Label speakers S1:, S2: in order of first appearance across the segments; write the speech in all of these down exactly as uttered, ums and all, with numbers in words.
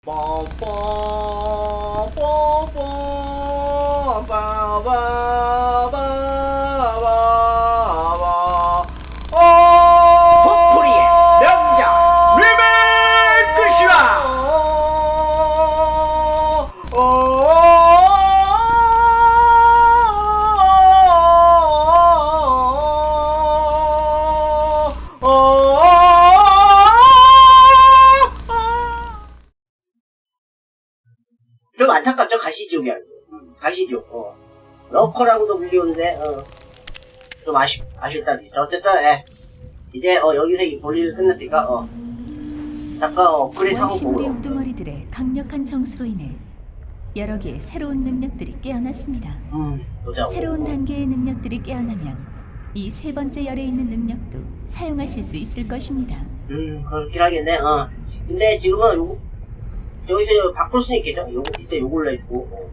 S1: 도토리의 명작 리메이크 시간!
S2: 좀 안타깝죠? 가시지옥이야. 가시지옥. 어. 러커라고도 불리우는데, 어. 좀 아쉽, 아쉽다. 어쨌든, 예. 이제, 어, 여기서 이 볼일을 끝냈으니까, 어. 잠깐, 어, 업그레이드 상황
S3: 원시물의
S2: 보고.
S3: 우두머리들의 강력한 정수로 인해 여러 개의 새로운 능력들이 깨어났습니다.
S2: 음, 보자.
S3: 새로운 단계의 능력들이 깨어나면 이 세 번째 열에 있는 능력도 사용하실 수 있을 것입니다.
S2: 음, 그렇긴 하겠네, 어. 근데 지금은 요거, 여기서 바꿀 수는 있겠죠? 요거, 이때 요걸로 해주고, 어.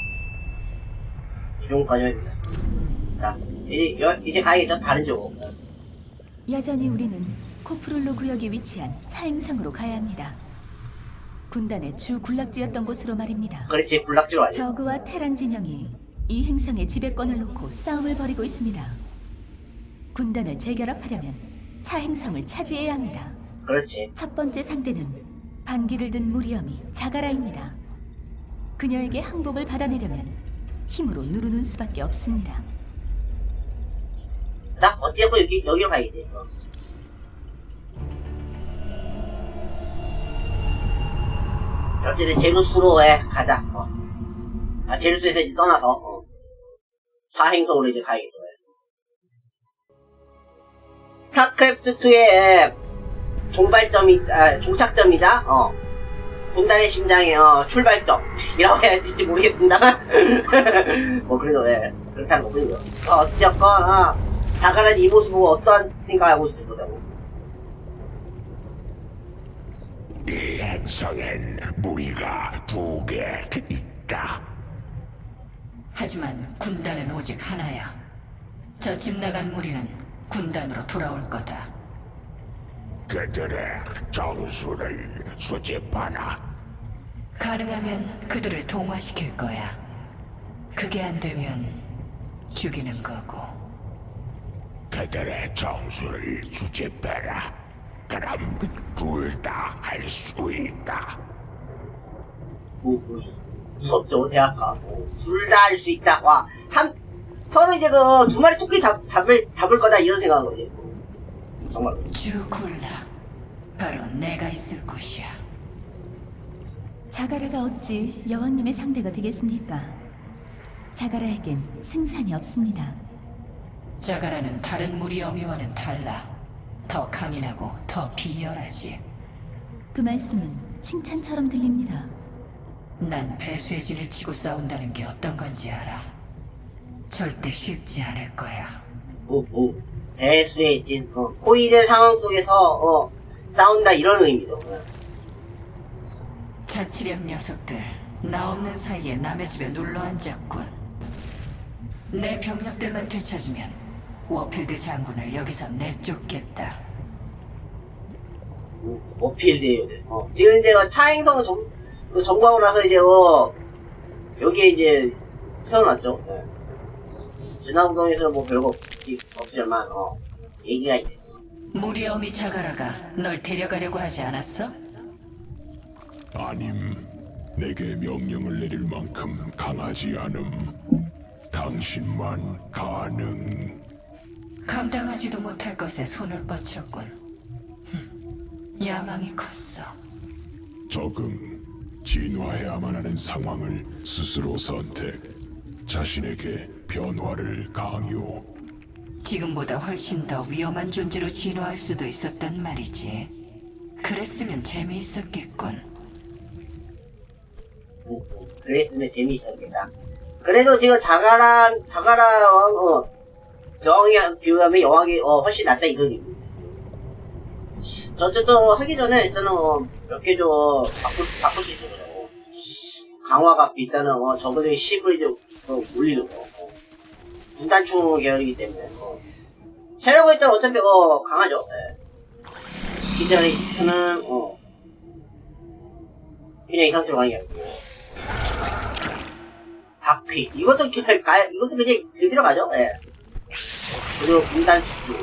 S2: 이 정도까지 해줍니다. 자, 이제, 여, 이제 가야겠죠? 다른 쪽으로.
S3: 여전히 우리는 코프룰로 구역에 위치한 차행성으로 가야 합니다. 군단의 주 군락지였던 곳으로 말입니다.
S2: 그렇지, 군락지로 아니야.
S3: 저그와 테란 진영이 이 행성의 지배권을 놓고 싸움을 벌이고 있습니다. 군단을 재결합하려면 차행성을 차지해야 합니다.
S2: 그렇지.
S3: 첫 번째 상대는 반기를 든 무리엄이 자가라입니다. 그녀에게 항복을 받아내려면 힘으로 누르는 수밖에 없습니다.
S2: 자, 어찌됐건 여기, 여기로 가야겠지. 어. 자, 어쨌든 제루스로 해, 가자. 어. 아, 제루스에서 이제 떠나서, 어. 사행성으로 이제 가야겠죠. 스타크래프트이의 종발점이, 아, 종착점이다, 어. 군단의 심장의, 어, 출발점. 이라고 해야 될지 모르겠습니다만. 뭐, 그래도, 예. 그렇다는 거군요. 어, 어찌됐건, 어. 자가란 이 모습 보고 어떠한 생각하고 있을 거라고.
S4: 이 행성엔 무리가 두 개 있다.
S5: 하지만 군단은 오직 하나야. 저 집 나간 무리는 군단으로 돌아올 거다.
S4: 그들의 정수를 수집하라.
S5: 가능하면 그들을 동화시킬 거야. 그게 안 되면 죽이는 거고.
S4: 그들의 정수를 수집해라. 그럼 둘 다 할 수 있다.
S2: 뭐, 뭐, 무섭죠, 대학가. 둘 다 할 수 있다. 와, 한, 서로 이제 그, 두 마리 토끼 잡, 잡을, 잡을 거다, 이런 생각한 거지. 정말.
S5: 주군락. 바로 내가 있을 곳이야.
S3: 자가라가 어찌 여왕님의 상대가 되겠습니까? 자가라에겐 승산이 없습니다.
S5: 자가라는 다른 무리 어미와는 달라. 더 강인하고 더 비열하지.
S3: 그 말씀은 칭찬처럼 들립니다.
S5: 난 배수의 진을 치고 싸운다는 게 어떤 건지 알아. 절대 쉽지 않을 거야.
S2: 오, 오. 배수의 진, 어, 호의된 상황 속에서, 어, 싸운다, 이런 의미죠. 어.
S5: 자치령 녀석들, 나 없는 사이에 남의 집에 눌러 앉았군. 내 병력들만 되찾으면 워필드 장군을 여기서 내쫓겠다.
S2: 오, 어필드에요. 어. 지금 이제 차행성 점, 점거하고 나서 이제, 어, 여기에 이제, 세워놨죠. 네. 진화구동에서는 뭐 별거 없, 없지만, 어, 얘기가 있네.
S5: 무리 어미 자가라가 널 데려가려고 하지 않았어?
S4: 아님, 내게 명령을 내릴 만큼 강하지 않음. 당신만 가능.
S5: 감당하지도 못할 것에 손을 뻗쳤군. 흠, 야망이 컸어.
S4: 적응, 진화해야만 하는 상황을 스스로 선택. 자신에게 변화를 강요.
S5: 지금보다 훨씬 더 위험한 존재로 진화할 수도 있었단 말이지. 그랬으면 재미있었겠군.
S2: 오, 오. 그랬으면 재미있었겠다. 그래도 지금 자가라, 자가라왕, 어, 여왕에 비교하면 여왕이, 어, 훨씬 낫다, 이런 의미입니다. 어쨌든, 어, 하기 전에 일단은, 어, 몇 개 좀, 바꿀, 바꿀 수 있을 거라고. 강화가 일단은, 어, 저번에 십을 이제, 어, 올리는 거. 어. 분단충 계열이기 때문에, 어. 체력은 일단 어차피, 어, 강하죠. 예. 기존에 있는, 어. 그냥 이 상태로 가는 게 아니고. 바퀴. 이것도, 그- 가, 이것도 그냥 그대로 가죠? 예. 그리고 분단 숙주.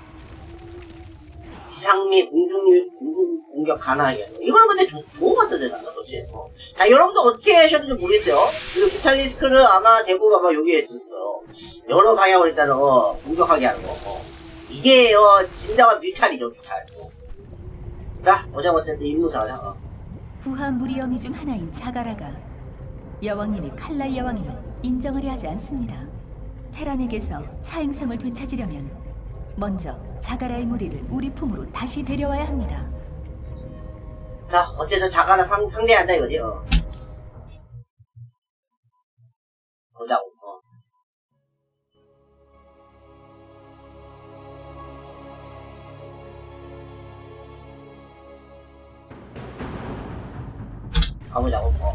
S2: 지상미 공중, 공중 공격 가능하게. 이거는 근데 조, 좋은 것 같던데, 나는, 그치? 어. 자, 여러분들 어떻게 하셨는지 모르겠어요. 그리고 뮤탈리스크는 아마 대부분 아마 여기에 있었어요. 여러 방향으로 일단은, 어, 공격하게 하는 거. 어. 이게, 어, 진정한 뮤탈이죠, 뮤탈. 어. 자, 어제가 어쨌든 임무자냐, 어.
S3: 부하 무리어미 중 하나인 자가라가 여왕님이 칼날 여왕임을 인정하려 하지 않습니다. 테란에게서 차행성을 되찾으려면 먼저 자가라의 무리를 우리 품으로 다시 데려와야 합니다.
S2: 자, 어쨌든 자가라 상, 상대한다 이거지, 어. 보자고, 어. 가보자고, 어.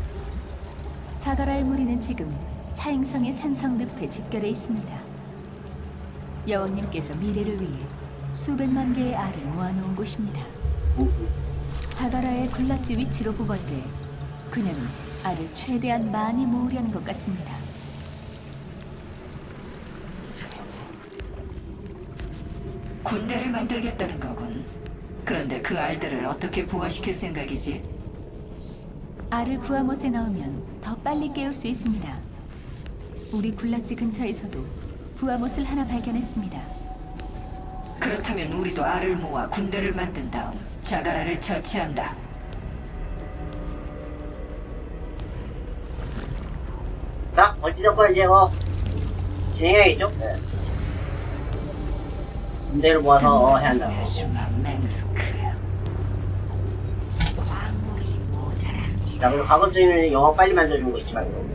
S3: 자가라의 무리는 지금 차행성의 산성 늪에 집결해 있습니다. 여왕님께서 미래를 위해 수백만 개의 알을 모아놓은 곳입니다.
S2: 우, 우.
S3: 자가라의 군락지 위치로 보걸 때 그녀는 알을 최대한 많이 모으려는 것 같습니다.
S5: 군대를 만들겠다는 거군. 그런데 그 알들을 어떻게 부화시킬 생각이지?
S3: 알을 부하못에 넣으면 더 빨리 깨울 수 있습니다. 우리 군락지 근처에서도 부하못을 하나 발견했습니다.
S5: 그렇다면 우리도 알을 모아 군대를 만든 다음 자가라를 처치한다.
S2: 자, 어찌됐건 이제, 어, 진행해야겠죠? 네. 군대를 모아서, 어, 해야 한다고.
S5: 아줌마 맹스크.
S2: 자, 그리고 가급적이면 영어 빨리 만들어주는 거 있지 말고.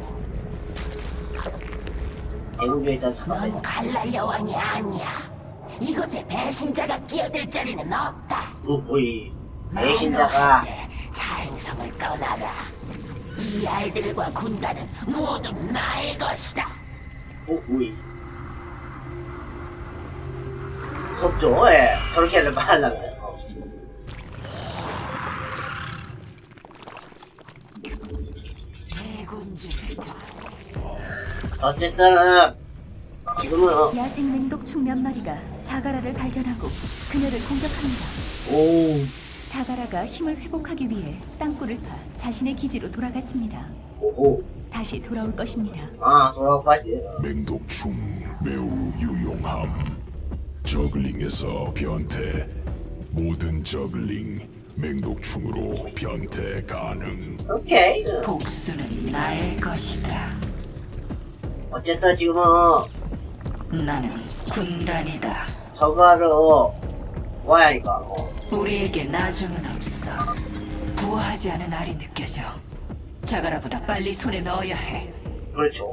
S2: 대군주에 일단
S6: 넌
S2: 잠깐만요.
S6: 칼날 여왕이 아니야. 이곳에 배신자가 끼어들 자리는 없다.
S2: 어, 뭐이. 배신자가,
S6: 자행성을 떠나라. 이 알들과 군단은 모두 나의 것이다.
S2: 어, 뭐이. 무섭죠? 예. 저렇게 하려 말하려면. 어. 어쨌든, 어, 지금은, 어,
S3: 야생 맹독충 몇 마리가 자가라를 발견하고 그녀를 공격합니다.
S2: 오,
S3: 자가라가 힘을 회복하기 위해 땅굴을 파 자신의 기지로 돌아갔습니다.
S2: 오호.
S3: 다시 돌아올 것입니다.
S2: 아, 돌아가지.
S4: 맹독충 매우 유용함. 저글링에서 변태. 모든 저글링 맹독충으로 변태 가능.
S2: 오케이. 어.
S5: 복수는 나의 것이다.
S2: 어쨌든 지금은, 어,
S5: 나는 군단이다.
S2: 저거를, 어, 모아야 하니까, 어.
S5: 우리에게 나중은 없어. 부화하지 않은 알이 느껴져. 자가라보다 빨리 손에 넣어야 해.
S2: 그렇죠.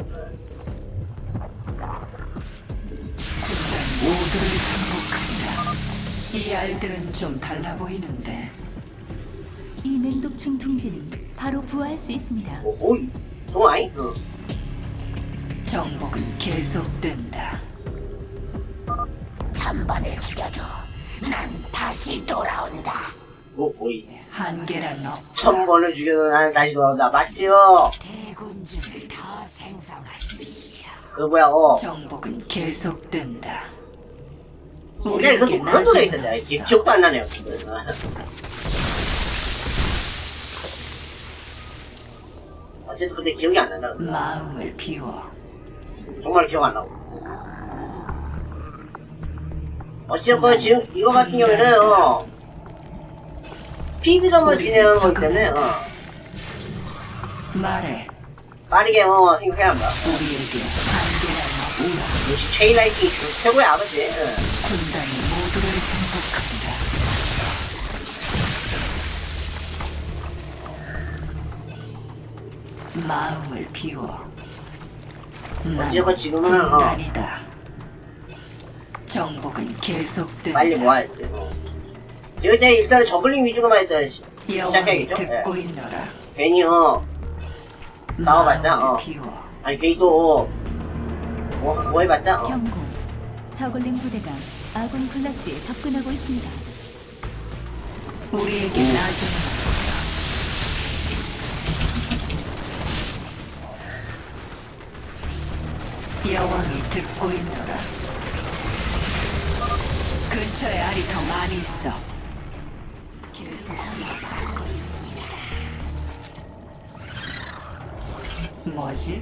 S5: 군단 모두를 정복한다. 이 알들은 좀 달라 보이는데
S3: 이 맹독충 둥지는 바로 부화할 수 있습니다.
S2: 오호. 동아이? 어.
S5: 정복은 계속된다.
S6: 천번을 죽여도 난 다시 돌아온다.
S2: 오호이.
S5: 한계란 없.
S2: 천 번을 죽여도 나는 다시 돌아온다. 맞지요?
S6: 대군주를 더 생성하십시오.
S2: 그 뭐야, 어.
S5: 정복은 계속된다.
S2: 근데 그
S5: 우리에게
S2: 그런 노래
S5: 나중은
S2: 있었잖아.
S5: 없어.
S2: 기, 기억도 안 나네요. 지금. 어쨌든 근데 기억이 안 난다.
S5: 마음을 비워.
S2: 정말 기억 안 나고. 어쨌건 지금 이거 같은 경우에는 어, 스피드전으로 진행하는 거기 때문에 어,
S5: 말해.
S2: 빠르게 어, 생각해야 한다.
S5: 우리에게 한계란 없어.
S2: 역시 체인라이팅이 최고의 아버지. 어.
S5: 군단이 모두를 정복한다. 마음을 비워.
S2: 어쨌건 지금은 어,
S5: 군단이다. 정복은 계속된다.
S2: 빨리 모아야 돼. 어. 지금 이제 일단은 저글링 위주로만 일단 시-
S5: 여왕이
S2: 시작해야겠죠?
S5: 듣고
S2: 예.
S5: 있노라.
S2: 괜히 어 싸워봤자
S5: 마음을
S2: 어
S5: 비워.
S2: 아니 괜히 또 뭐, 뭐 해봤자 어.
S3: 경고. 저글링 부대가 아군 군락지에 접근하고 있습니다.
S5: 우리에게 나중은 없어. 여왕이 듣고 있노라. 근처에 알이 더 많이 있어. 계속 뭐지?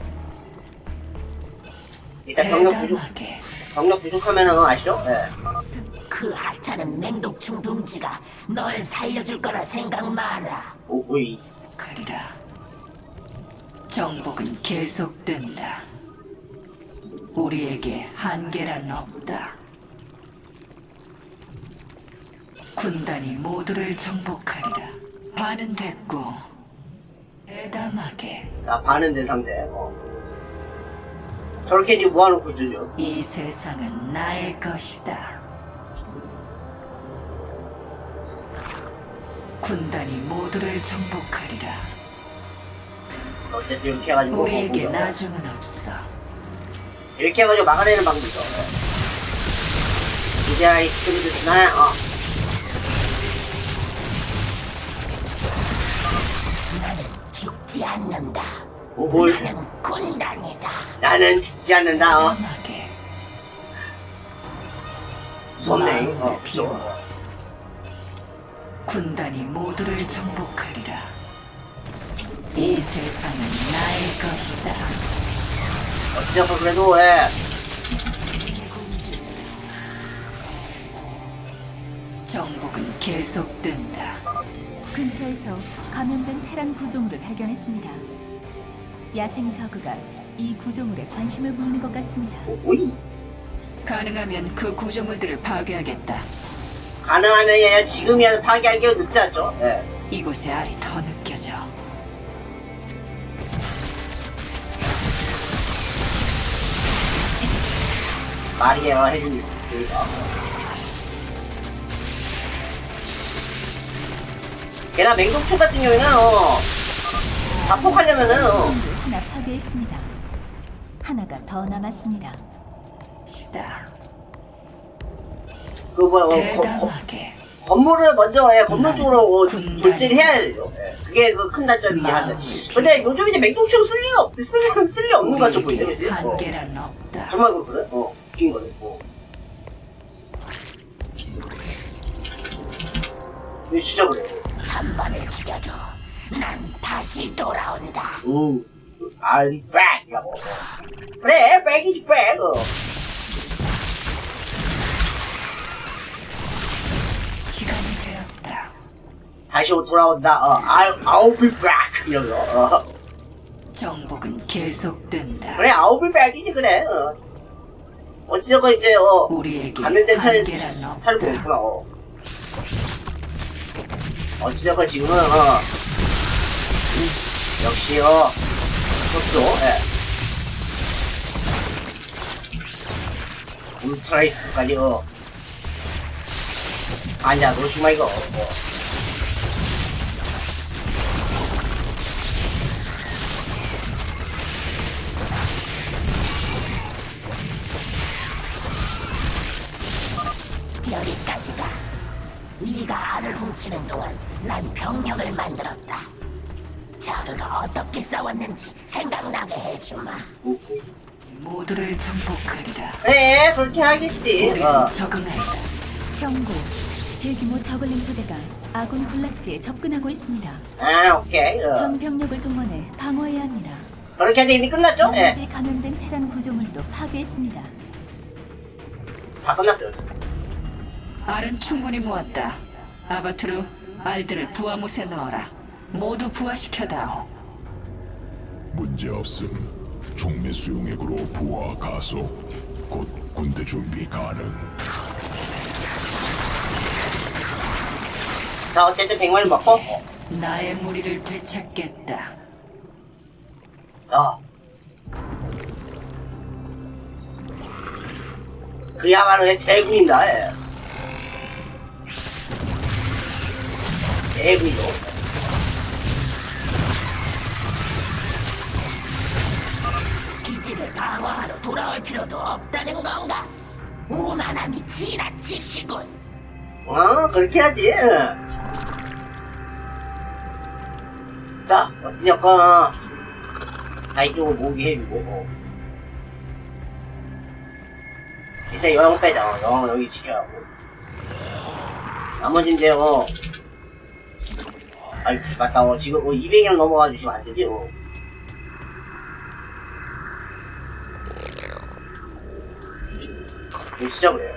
S2: 일단 병력 부족,
S5: 대담하게.
S2: 병력 부족하면은 아시죠? 예.
S6: 그 하찮은 맹독충 둥지가 널 살려줄 거라 생각 마라.
S2: 오, 오이.
S5: 그리라. 정복은 계속된다. 우리에게 한계란 없다. 군단이 모두를 정복하리라. 반은 됐고 대담하게
S2: 자, 반은 된 상태. 어. 저렇게 지금 모아놓고 있죠.
S5: 이 세상은 나의 것이다. 군단이 모두를 정복하리라.
S2: 어쨌든 이렇게 해가지고.
S5: 우리에게
S2: 뭐,
S5: 나중은 없어.
S2: 이렇게 해가지고 막아내는 방법이죠. 예. 이제 이 스크립트 쓰나? 어.
S6: 나는 죽지 않는다.
S2: 오, 뭘.
S6: 나는 군단이다.
S2: 나는 죽지 않는다. 어.
S5: 대담하게
S2: 무섭네. 어,
S5: 마음을
S2: 그죠.
S5: 비워. 군단이 모두를 정복하리라. 이 세상은 나의 것이다.
S2: 어찌됐건 그래도, 예.
S5: 정복은 계속된다.
S3: 근처에서 감염된 테란 구조물을 발견했습니다. 야생 저그가 이 구조물에 관심을 보이는 것 같습니다.
S2: 오, 오이.
S5: 가능하면 그 구조물들을 파괴하겠다.
S2: 가능하면 그냥 지금이라도 파괴하기가 늦지 않죠? 예.
S5: 이곳의 알이 더 느껴져.
S2: 말이에요, 해주니. 저희가. 걔나 맹독충 같은 경우에는, 어, 자폭하려면은, 어,
S3: 구조물을 하나 파괴했습니다. 하나가 더 남았습니다.
S5: 시다.
S2: 그, 뭐, 어, 거, 거,
S5: 대담하게
S2: 건물을 먼저, 예, 건물
S5: 난
S2: 쪽으로 어,
S5: 군단이다.
S2: 돌진을 해야 되죠. 예. 그게 그 큰 단점이긴 하죠.
S5: 마음을
S2: 근데 요즘 이제 맹독충 쓸 리가 없, 쓸, 리- 쓸 리 없는 것같아 보이네,
S5: 우리에게
S2: 그치? 어.
S5: 한계란 없다.
S2: 정말 그렇거든? 어, 웃긴 거네. 어. 이거 진짜 그래.
S6: 천번을 죽여도 난 다시 돌아온다.
S2: 오, I'm back! 이라고. 그래, 백이지, 백! 어.
S5: 시간이 되었다.
S2: 다시 돌아온다. 어, I'll, I'll be back! 이러면서. 어.
S5: 정복은 계속된다.
S2: 그래, I'll be back이지, 그래. 어. 어찌됐건 이제, 어,
S5: 우리에게
S2: 감염된 차에
S5: 한계란 없다.
S2: 살고 있구나, 어. 어찌됐건 지금은, 어, 역시, 어, 그것도, 예. 울트라이스까지, 어. 아니야, 놓치마, 이거. 어.
S6: 여기까지가. 네가 알을 훔치는 동안 난 병력을 만들었다. 저그가 어떻게 싸웠는지 생각나게 해주마.
S5: 모두를 정복하리라.
S2: 그래, 그렇게 하겠지.
S5: 우리는
S2: 어.
S5: 적응한다.
S3: 경고. 대규모 저글링 부대가 아군 군락지에 접근하고 있습니다.
S2: 아, 오케이. 어.
S3: 전 병력을 동원해 방어해야 합니다.
S2: 그렇게 하는데 이미 끝났죠? 예.
S3: 나머지 감염된 테란 구조물도 파괴했습니다.
S2: 다 끝났어요.
S5: 알은 충분히 모았다. 아바투르, 알들을 부하못에 넣어라. 모두 부하시켜다오.
S4: 문제없음. 종매 수용액으로 부하 가속. 곧 군대 준비 가능.
S2: 자, 어쨌든 백만을 먹고,
S5: 나의 무리를 되찾겠다.
S2: 어. 그야말로 내 대군이다, 예. 대군이죠.
S6: 기지를 방어하러 돌아올 필요도 없다는 건가? 오만함이 지나치시군.
S2: 어, 그렇게 하지. 자, 어찌됐건, 다 이쪽으로 모으게 해주고, 어. 일단 여왕 빼자. 어, 여왕 여기 지켜야 하고. 나머지 이제, 어. 아이, 맞다. 어, 지금, 어, 이백이랑 넘어가 주시면 안 되지, 어. 이거 진짜 그래요.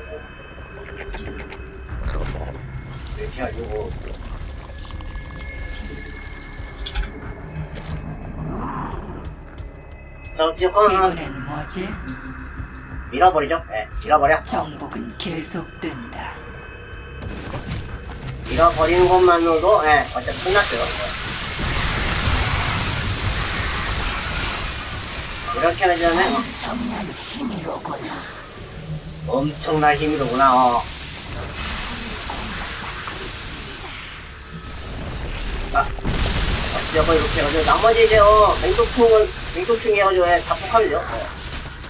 S2: 이렇게 해가지고. 자, 어쨌건,
S5: 이번엔 뭐지?
S2: 밀어버리죠? 예, 네, 밀어버려.
S5: 정복은 계속된다.
S2: 밀어버리는 것만으로도, 예, 네, 어차피 끝났어요. 네. 이렇게 하자면,
S6: 엄청난 힘이로구나.
S2: 엄청난 힘이로구나, 어. 아, 어찌되건 이렇게 해가지고, 나머지 이제, 어, 맹독충은, 맹독충 해가지고, 예, 자폭하면 돼요. 예.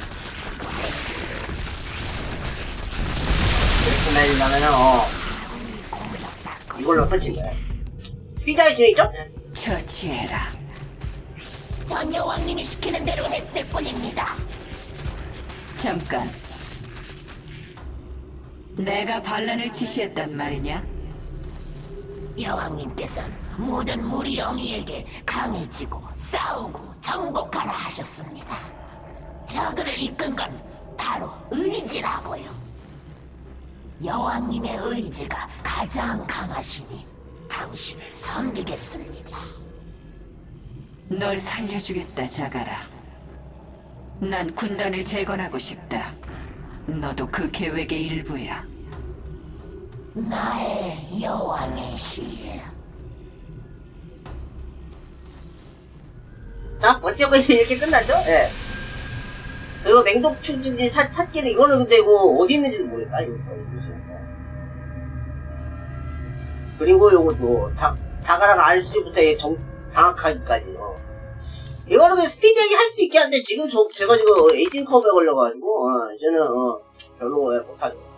S2: 이렇게 날리려면은, 어, 이걸로 끝인 거야. 스피드하게 진행했죠?
S5: 처치해라.
S6: 전 여왕님이 시키는 대로 했을 뿐입니다.
S5: 잠깐. 내가 반란을 지시했단 말이냐?
S6: 여왕님께서는 모든 무리 영이에게 강해지고 싸우고 정복하라 하셨습니다. 저그를 이끈 건 바로 의지라고요. 여왕님의 의지가 가장 강하시니 당신을 섬기겠습니다.
S5: 널 살려주겠다, 자가라. 난 군단을 재건하고 싶다. 너도 그 계획의 일부야.
S6: 나의 여왕의 시.
S2: 자, 어찌됐건 이제 이렇게 끝났죠? 예. 그리고 맹독충 이제 찾, 찾기는 이거는 근데 이거 어디 있는지도 모르겠다. 이거. 그리고 요것도 자, 자가라가 알수지부터 정, 장악하기까지. 어. 이거는 그냥 스피디하게 할 수 있게 한데 지금 저, 제가 지금 에이징 컵에 걸려가지고 어, 이제는 어, 별로 못하죠.